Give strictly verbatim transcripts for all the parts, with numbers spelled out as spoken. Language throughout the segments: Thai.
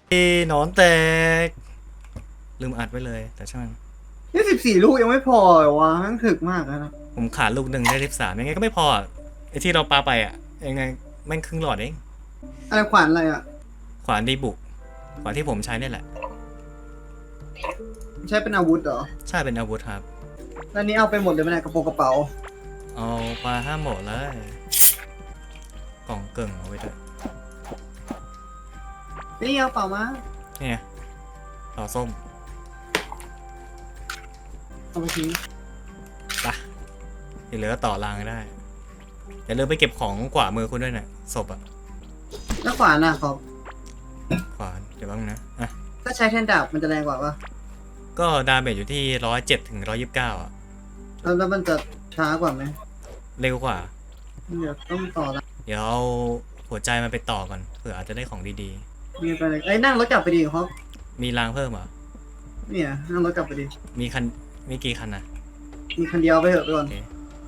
หนอนแตกลืมอัดไว้เลยแต่ช่างมันนี่สิบสี่ลูกยังไม่พอเหรอวะทั้งถึกมากนะผมขาดลูกหนึ่งได้สิบสามยังไงก็ไม่พออะไอที่เราปาไปอ่ะยังไงแม่งครึ่งหลอดเองอะไรขวานอะไรอ่ะขวานดีบุกขวานที่ผมใช้นี่แหละใช้เป็นอาวุธเหรอใช่เป็นอาวุธครับแล้วนี้เอาไปหมดเลยไหมเนี่ยกระโปรงกระเป๋าเอาปลาห้าหมดเลยกล่องเกิ่งเอาไว้ด้วยนี่เอาเปล่ามานี่ไงต่อส้มเอาไปทิ้งปะที่เหลือก็ต่อรางได้อย่าลืมไปเก็บของขวามือคุณด้วยนะศพอ่ะแล้วขวานอ่ะครับขวานเดี๋ยวบ้างนะอ่ะถ้าใช้แทนดาบมันจะแรงกว่าปะก็ดาเมจอยู่ที่ร้อยเจ็ดถึงร้อยยี่สิบเก้าอ่ะแล้วแล้วมันจะช้ากว่าไหมเร็วกว่าเดี๋ยวต้องต่อละเดี๋ยวเอาหัวใจมันไปต่อก่อนเผื่ออาจจะได้ของดีมีไปเลยไอ้ยนั่งรถกลับไปดีครับๆ มีรางเพิ่มเหรอเนี่ยนั่งรถกลับไปดีมีคันมีกี่คันนะมีคันเดียวไปเถอะไปก่อนโอเค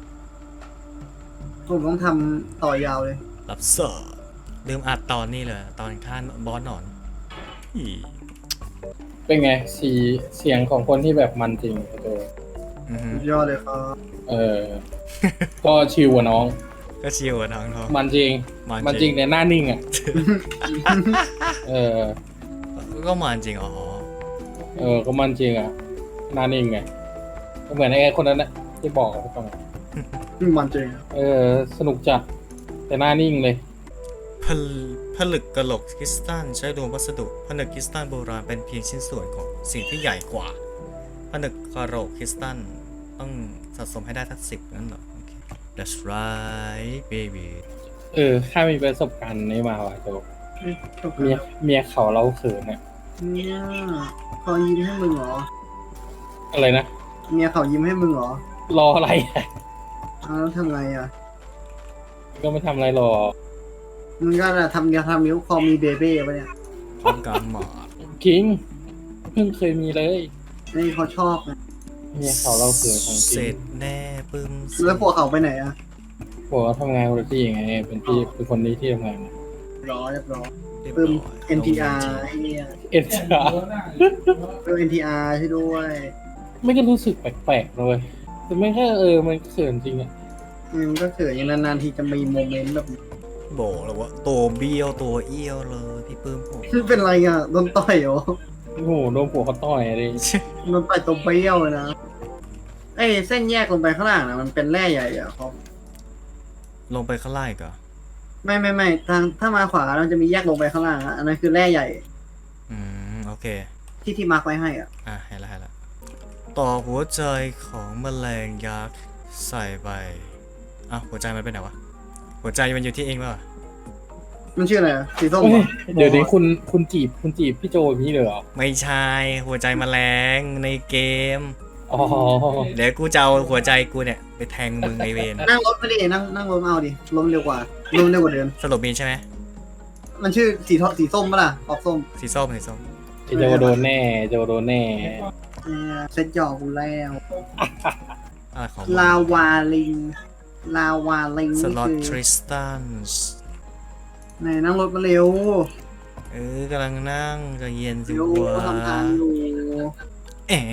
ผมต้องทำต่อยาวเลยรับเสิร์ฟลืมอัดตอนนี้เลยตอนท่านบอสหนอนอีเป็นไงสีเสียงของคนที่แบบมันจริงโตอือฮึสุดยอดเลยครับเออ ก็ชิวกว่าน้องก็ชิวอะน้องทองมันจริง มันจริงในหน้านิ่งอ่ะ เออก็มันจริงอ๋อเออ ก็มันจริงอ่ะ หน้านิ่งไงก็เหมือนไอ้คนนั้นนะที่บอกกับพี่ฟังมันจริงเออ สนุกจัดแต่หน้านิ่งเลยผลผลึกกะโหลกคริสตัลใช้รวมวัสดุผนึกคริสตัลโบราณเป็นเพียงชิ้นส่วนของสิ่งที่ใหญ่กว่าผนึกกะโหลกคริสตัลต้องสะสมให้ได้ทั้งสิบนั่นเหรอโอเค that's right baby เออข้ามีประสบการณ์นี้มาว่ะโตเอ้ยจบเมียแล้วเมียเขาเราเขินเนี่ยเนี่ยเขายิ้มให้มึงเหรออะไรนะเมียเขายิ้มให้มึงเหรอรออะไรอ่ะอ้าวแล้วทำไงอ่ะก็ไม่ทำอะไรหรอกมึงก็น่ะทำยาทำนิ้วคอมีเบเบ้ปะเนี่ยพร้อมการหมอคิงเพิ่งเคยมีเลยนี่เขาชอบนะเมียเขาเราเขินของจเสริร็งจแน่ปึ้มแล้วพวกเขาไปไหนอ่ะบอกว่าทำงานคนละที่ไง เป็นที่เป็นคนนี้ที่ทำงานรอเรียบร้อยเรียบปึ้มร้อยเอ็น ที อาร์ ไอ้เนี่ยเอ็นชาปึ้ม เอ็น ที อาร์ ใช่ด้วยไม่ก็รู้สึกแปลกๆเลยแต่ไม่แค่เออมันเขินจริงอะมันก็เขินอย่างนานๆทีจะมีโมเมนต์แบบนี้บอกเลยว่าตัวเบี้ยวตัวเอี้ยวเลยพี่ปื้มผมเป็นไรอ่ะโดนต่อยเหรอโอ้โหโดนผัวเขาต่อยเลยโดนต่อยตัวเบี้ยวเลยนะไอ้เส้นแยกลงไปข้างล่างนะมันเป็นแร่ใหญ่อ่ะครับลงไปข้างล่างอีก่อนไม่ไม่ไม่ทางถ้ามาขวาเราจะมีแยกลงไปข้างล่างอะอันนั้นคือแร่ใหญ่อืมโอเคที่ที่มาร์คไว้ให้อ่ะอ่ะให้ละให้ละต่อหัวใจของแมลงยักษ์ใส่ไปอ่ะหัวใจมันไปไหนวะหัวใจมันอยู่ที่เองป่ะมันชื่ออะไรอะสีส้มเฮ้เหรยอเดี๋ยวนี้คุณคุณจีบคุณจีบพี่โจอย่างนี้เลยเหรอไม่ใช่หัวใจแมลงในเกมอ๋อเดี๋ยวกูจะเอาหัวใจกูเนี่ยไปแทงมึงในเวรนั่งรถไม่ดินั่งนั่งรถมาเอาดิลมเร็วกว่าลมเร็วกว่าเดิมสรุปมีใช่ไหมมันชื่อสีทอสีส้มปะล่ะออกส้มสีส้มสีส้มไอ้โจโดนแน่โจโดนแน่เออเซ็ตหยอกกูแล้วอะไรของลาวาลิง ลาวาลิงสนี่ล็อตคือทริสตันไหนนั่งรถมาเร็วเออกำลังนั่งใจะเย็นสิเร็ววะทำทางอยู่แอบ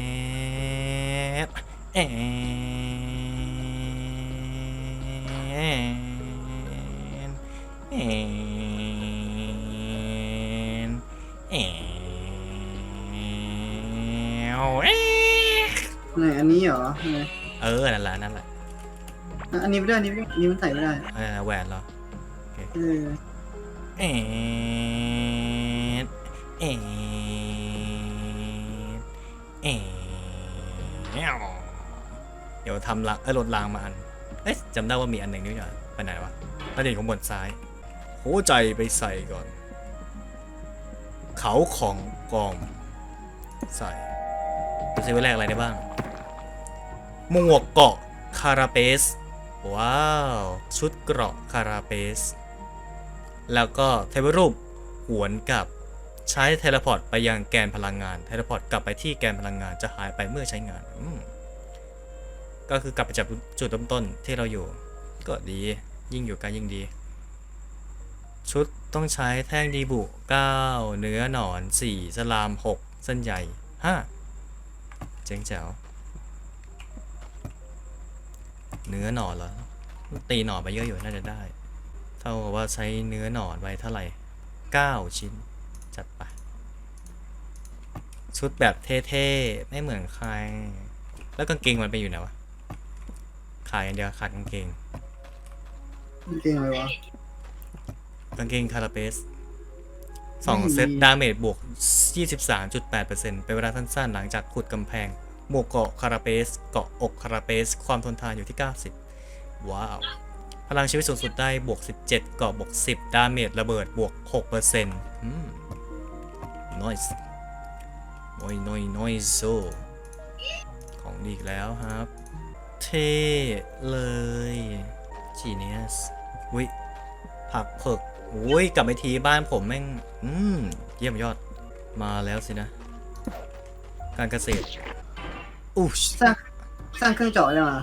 แอบแอบแอบแอบไหนอันนี้เหรอไหนเออนั่นแหละนั่นแหละอ่ะอันนี้ไม่ได้อันนี้ไม่ได้อันนี้มันใส่ไม่ได้เออแหวนเหรอเออแอบแอบแอบเดี๋ยวทำละเออรถรางมาอันเอ๊ะจำได้ว่ามีอันหนึ่งนี่หว่าไปไหนวะประเด็นของบนซ้ายหัวใจไปใส่ก่อน เขาของกองใส่ดูซิว่าแรกอะไรได้บ้างหมวกเกาะคาราเปสว้าวชุดเกราะคาราเปสแล้วก็เทวรูปหวนกลับใช้เทเลพอร์ตไปยังแกนพลังงานเทเลพอร์ตกลับไปที่แกนพลังงานจะหายไปเมื่อใช้งานอืมก็คือกลับไปจากจุดเริ่มต้นที่เราอยู่ก็ดียิ่งอยู่ไกันยิ่งดีชุดต้องใช้แท่งดีบุเก้าเนื้อหนอนสี่สลามหกเส้นใหญ่ห้าเจ๋งแจ๋วเนื้อหนอนเหรอตีหนอนไปเยอะอยู่น่าจะได้เท่ากับว่าใช้เนื้อหนอนไว้เท่าไหร่เก้าชิ้นจัดไปชุดแบบเท่ๆไม่เหมือนใครแล้วกางเกงมันไปอยู่ไหนวะขายอย่างเดียวขาดกางเกงเก่งเลยวะกางเกงคาราเปสสองเซตดาเมจบวก ยี่สิบสามจุดแปดเปอร์เซ็นต์ เป็นเวลาสั้นๆ หลังจากขุดกำแพงหมวกเกาะคาราเปสเกาะอกคาราเปสความทนทานอยู่ที่ เก้าสิบ ว้าว พลังชีวิตสูงสุดได้บวก สิบเจ็ด เกาะบวก สิบ ดาเมจระเบิดบวก หกเปอร์เซ็นต์ อืม nice น้อยน้อยน้อยโซของดีอีกแล้วครับ เท่เลยจีเนียสวิผักเผือกอุ้ยกลับไปทีบ้านผมแม่ง อืม เยี่ยมยอดมาแล้วสินะ การเกษตรอู้ชสร้างสร้างเครื่องเจาะยังอ่ะ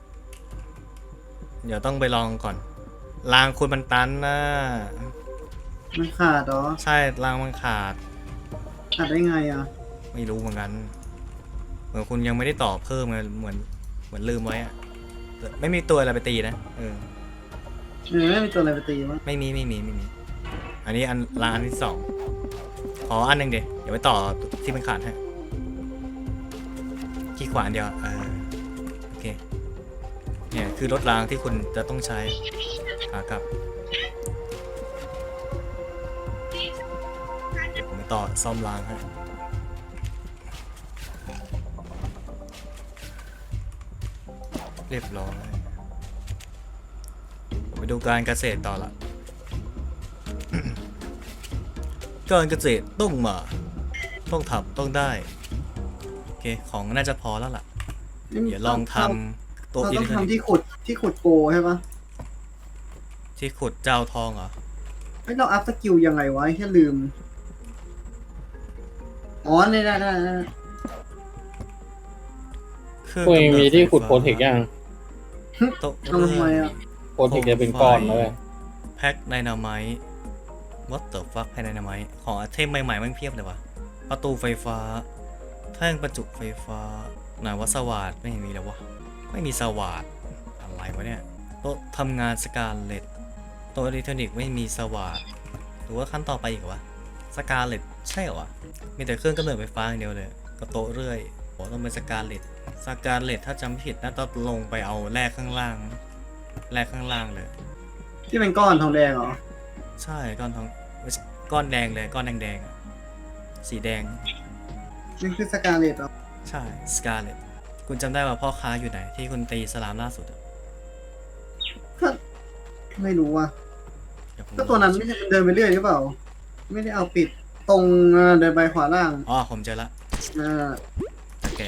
เดี๋ยวต้องไปลองก่อนรางคุณมันตันนะมันขาดเหรอใช่รางมันขาดขาดได้ไงอ่ะไม่รู้เหมือนกันเหมือนคุณยังไม่ได้ต่อเพิ่มไงเหมือนเหมือนลืมไว้อะแต่ไม่มีตัวอะไรไปตีนะเออเออไม่มีตัวอะไรไปตีมั้งไม่มีไม่มีไม่มี อันนี้อันรางอันที่สองขออันหนึ่งเดี๋ยวเดี๋ยวไปต่อที่มันขาดให้ที่ขวาอันเดียวเออโอเคเนี่ยคือรถรางที่คุณจะต้องใช้ขากลับเดี๋ยวผมไปต่อซ่อมรางให้เรียบร้อยผมไปดูการเกษตรต่อละ การเกษตรต้องมาต้องทำต้องได้โอเคของน่าจะพอแล้วล่ะเดี๋ยวลองทำโต๊ะเราอิต้เล็อก งทรอนิกทำที่ส์ขุดที่ขุดโกใช่ปะที่ขุดเจ้าทองเหรอเฮ้ยเราอัพสกิลยังไงวะแค่ลืม อ๋อได้ได้ได้ได้เครื่องตัวเองกำเนิมีที่ขุดไฟโปรฟ้าเทคยังโต๊ะทำทำไมอ่ะโปรเทคจะเป็นก้อนเลยแพ็คไดนาไมต์ what the fuck แพ็คไดนาไมต์ของไอเทมใหม่ๆมันเพียบเลยวะประตูไฟฟ้าแท่งประจุไฟฟ้าไหนว่าสว่านไม่เห็นมีเลยวะไม่มีสว่านอะไรวะเนี่ยโต๊ะทำงานสกาเลตโต๊ะอิเล็กทรอนิกส์ไม่มีสว่านหรือว่าขั้นต่อไปอีกวะสกาเลตใช่เหรอวะมีแต่เครื่องกำเนิดไฟฟ้าอย่างเดียวเลยก็โต๊ะเรื่อยโอ้ต้องเป็นสกาเลตสกาเลตถ้าจำไม่ผิดน่าจะลงไปเอาแร่ข้างล่างแร่ข้างล่างเลยที่เป็นก้อนทองแดงเหรอใช่ก้อนทองไม่ใช่ก้อนแดงเลยก้อนแดงๆอะสีแดงนี่คือสกาเลตเหรอใช่สกาเลตคุณจำได้ว่าพ่อค้าอยู่ไหนที่คุณตีสลามล่าสุดอะก็ไม่รู้ว่ะเดี๋ยวผมก็ตัวนั้นไม่ใช่เดินไปเรื่อยหรือเปล่า ไม่ได้เอาปิดตรงอ่าเดินไปขวาล่างอ๋อผมเจอละอ่าตะแก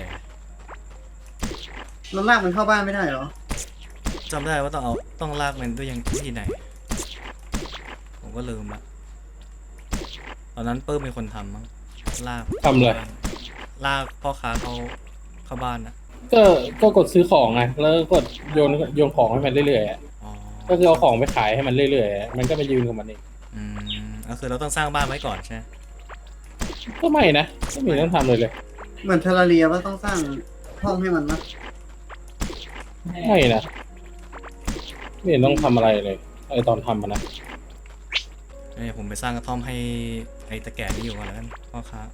เราลากมันเข้าบ้านไม่ได้เหรอจำได้ว่าต้องเอาต้องลากมันด้วยยังวิธีไหน ผมก็ลืมละตอนนั้นเปิ้มเป็นคนทำมั้งลากทำเลยลากพ่อค้าเขาเข้าบ้านนะก็ก็กดซื้อของไงแล้วก็กดโยนโยนของให้มันเรื่อยๆอะอ๋อก็คือเอาของไปขายให้มันเรื่อยๆอะมันก็มายืนกับมันเองอืมก็คือเราต้องสร้างบ้านไว้ก่อนใช่ไหมก็ไม่นะไม่มีต้องทำเลยเลยเหมือนเทอร์ราเรียว่าต้องสร้างห้องให้มันนะไม่นะไม่เห็นต้องทำอะไรเลยไอตอนทำมันนะเนี่ยผมไปสร้างกระท่อมให้ไอ้ตะแก่นี่อยู่ก่อนแล้วกันพ่อค้า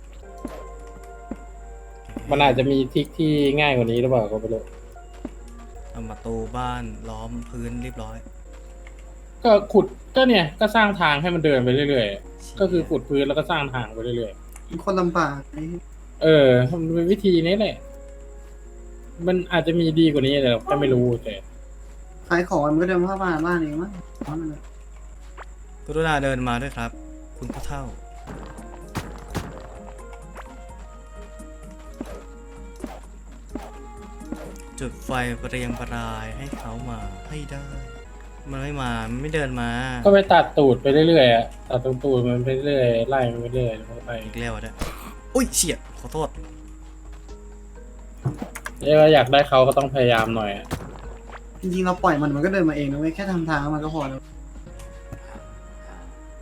มันอาจจะมีทริกที่ง่ายกว่านี้หรือเปล่าก็ไม่รู้ทำประตูบ้านล้อมพื้นเรียบร้อยก็ขุดก็เนี่ยก็สร้างทางให้มันเดินไปเรื่อยๆก็คือขุดพื้นแล้วก็สร้างทางไปเรื่อยมันคนลำบากไอ้ๆเออมันเป็นวิธีนี้แหละมันอาจจะมีดีกว่านี้แต่เราแค่ไม่รู้แต่ขายของมันก็เดินเข้าบ้านบ้านเองมั้งเพราะมันอะกรุณาเดินมาด้วยครับ คุณผู้เฒ่า จุดไฟประเรียงประรายให้เขามาให้ได้ มันไม่มามันไม่เดินมาก็ไปตัดตูดไปเรื่อยๆอะตัดตรงตูดมันไปเรื่อยไล่มันไปเรื่อยแล้วก็ไปอีกแล้วด้วยอุ้ยเฉียดขอโทษเรียกว่าอยากได้เขาก็ต้องพยายามหน่อยอะจริงๆเราปล่อยมันมันก็เดินมาเองนะเว้ยแค่ทำทางให้มันก็พอแล้ว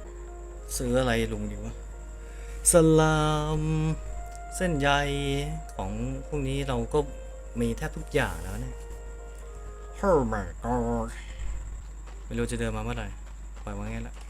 ซื้ออะไรลุงดีวะสลามเส้นใยของพวกนี้เราก็มีแทบทุกอย่างแล้วเนี่ย Oh my god ไม่รู้จะเดินมาเมื่อไหร่ปล่อยไว้งั้นแหละ